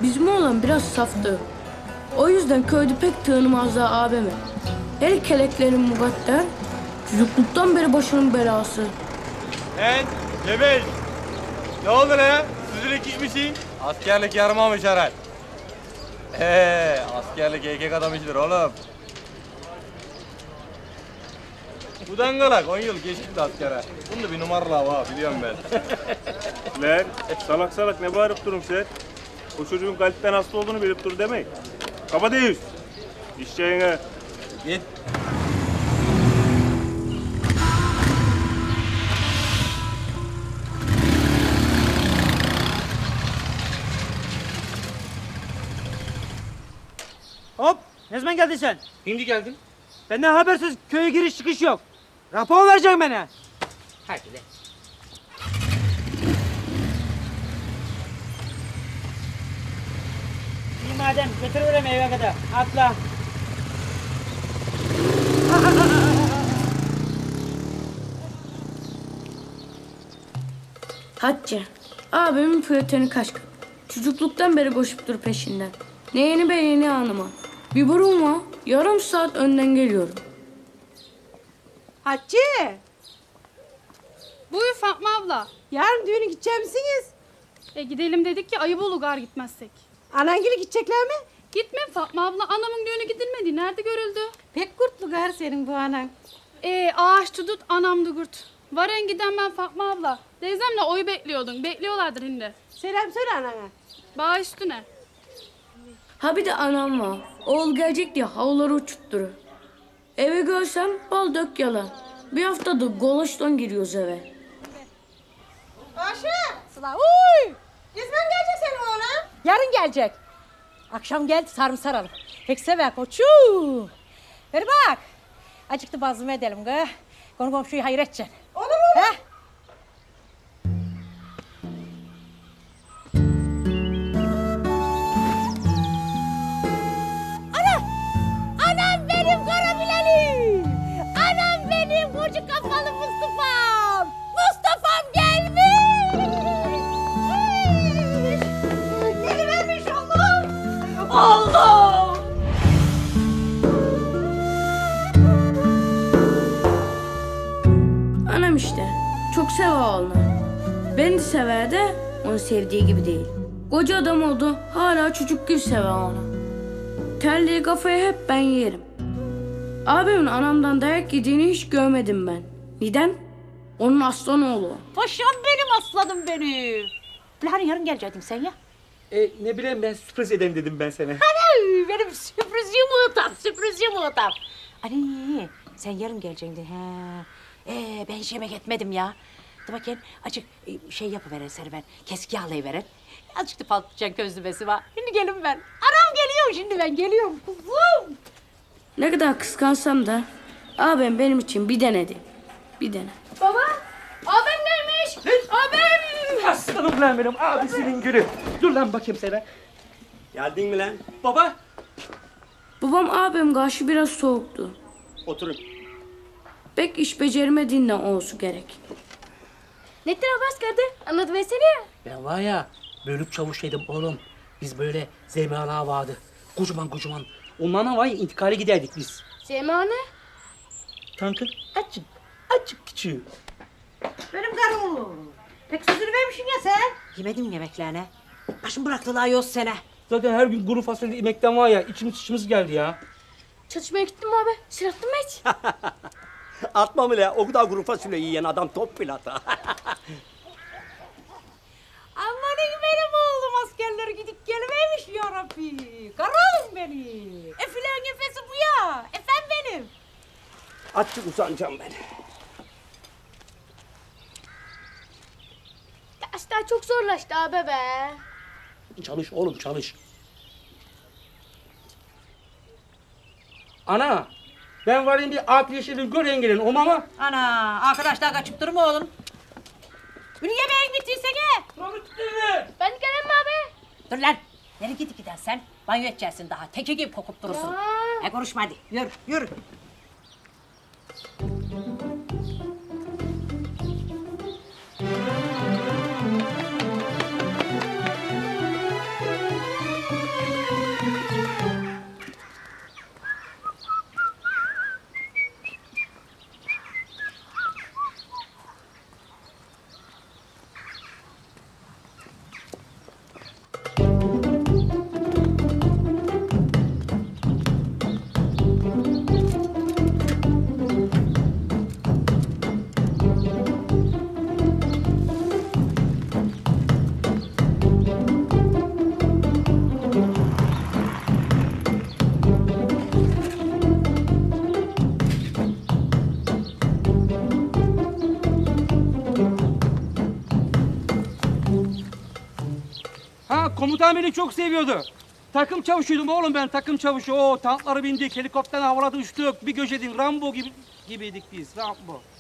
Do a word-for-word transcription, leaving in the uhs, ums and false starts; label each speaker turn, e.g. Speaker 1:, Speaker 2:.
Speaker 1: Bizim oğlan biraz saftı. O yüzden köyde pek tanımazlar abimi. Her keleklerin mukadder, çocukluktan beri başının belası.
Speaker 2: Lan Cebel, ne oldu lan? Süzülük gitmişsin. Askerlik yarımamış herhal. Ee, askerlik erkek adam işidir oğlum. Bu dangalak on yıl geçti askere. Bunda bir numaralı var biliyorum ben.
Speaker 3: Lan salak salak ne bağırıp durun sen? O çocuğun kalpten hasta olduğunu bilip dur demeyin. Kaba değil. İşçeğine.
Speaker 2: Git.
Speaker 4: Hop! Ne zaman geldin sen?
Speaker 5: Şimdi geldim.
Speaker 4: Benden habersiz köye giriş çıkış yok. Rapor vereceksin bana.
Speaker 5: Hadi de.
Speaker 4: İyi madem götürürüm eve kadar. Atla.
Speaker 1: Hatice, abimin fiyatını kaç. Çocukluktan beri koşup dur peşinden. Ne yeni be yeni anıma. Bir burun var, yarım saat önden geliyorum.
Speaker 6: Hatice,
Speaker 7: Buyur Fatma abla.
Speaker 6: yarın düğüne gidecek misiniz?
Speaker 7: E gidelim dedik ki ayıp olur gar gitmezsek.
Speaker 6: Anangili gidecekler mi?
Speaker 7: Gitmem Fatma abla. Anamın düğünü gidilmedi. Nerede görüldü?
Speaker 6: Pek kurtlu gar senin bu anan.
Speaker 7: E ağaç tutut anam dugurt. Varen giden ben Fatma abla. Teyzemle oyu bekliyordun. Bekliyorlardır şimdi.
Speaker 6: Selam söyle anana.
Speaker 7: Bağ üstüne.
Speaker 1: Ha bir de anam var. Oğul gelecek diye havluları uçutturur. Eve görsem bal dök yalan. Bir haftadır goloştan giriyoruz eve.
Speaker 6: Ayşe. Sıla, uy. Ne zaman gelecek senin oğlan? Yarın gelecek. Akşam geldi sarımsar alıp. Pek sever koçum. Ver bak. Acıktı bazlama edelim gı. Konu komşuyu hayır edeceksin. Olur mu? He? Anam benim Karabilelim. Anam benim koca kafalı Mustafa'm. Mustafa'm gelmiş. Gelivermiş oğlum. Oğlum.
Speaker 1: Anam işte. Çok sever oğlunu. Beni de sever de onu sevdiği gibi değil. Koca adam oldu. Hala çocuk gibi sever onu. Terliği kafaya hep ben yerim. Abimin anamdan dayak yediğini hiç görmedim ben. Neden? Onun aslan oğlu.
Speaker 6: Paşam benim aslanım benim. Hani yarın gelecektin sen ya?
Speaker 5: E, ne bileyim ben sürpriz edeyim dedim ben sana.
Speaker 6: Ay, benim sürpriz yumurtam, sürpriz yumurtam. Ali, sen yarın gelecektin. He. Ee, ben hiç yemek etmedim ya. Dur bakayım, açık e, şey yapıveren seni ben, kesik yağlayıveren. Azıcık da patlıcan közlemesi var. Şimdi gelin ben. Anam geliyor şimdi ben, geliyorum kuzum.
Speaker 1: Ne kadar kıskansam da abim benim için bir denedi. Bir dene.
Speaker 7: Baba! Abim gelmiş! Abim!
Speaker 5: Aslanım lan benim abisinin gülü. Dur lan bakayım sana.
Speaker 3: Geldin mi lan?
Speaker 5: Baba.
Speaker 1: Babam abim karşı biraz soğuktu.
Speaker 3: Oturun.
Speaker 1: Pek iş beceremediğinden olsun gerek.
Speaker 7: Ne tarafa askerdi? Anlat versene.
Speaker 5: Ben var ya bölük çavuşaydım oğlum. Biz böyle zeymalar vardı. Kocaman kocaman. Onlarla var ya intikale giderdik biz.
Speaker 7: Semane?
Speaker 5: Tankın açık açık küçüğü.
Speaker 6: Benim karım. Pek sözünü vermişsin ya sen. Yemedim yemeklerine. Başım bıraktılar yoz sene.
Speaker 5: Zaten her gün kuru fasulye yemekten var ya içimiz içimiz geldi ya.
Speaker 7: Çatışmaya gittin mi abi? Silahtın mı hiç?
Speaker 8: Atma mı la? O kadar kuru fasulye yiyen adam top pilota.
Speaker 6: Amanın benim oğlum askerler gidip gelivermiş yarabbi. Karalım beni. Efilen nefesi bu ya. Efem benim.
Speaker 8: Açık uzanacağım ben.
Speaker 7: Dersler çok zorlaştı abi be.
Speaker 5: Çalış oğlum çalış. Ana ben varayım bir at yeşilin gören gelin o mama.
Speaker 6: Ana arkadaşlar kaçıp durma oğlum. Bunu yemeğin bittiyse gel.
Speaker 7: Ben gelemem abi.
Speaker 6: Dur lan. Nereye gidip giden sen? Banyo edeceksin daha. Teki gibi kokup durursun. E konuşma hadi. Yürü yürü.
Speaker 4: Ha komutan beni çok seviyordu. Takım çavuşuydum oğlum ben takım çavuşu. O tankları bindik, helikopterden havaladı uçtuk. Bir göçedin Rambo gibi gibiydik biz Rambo.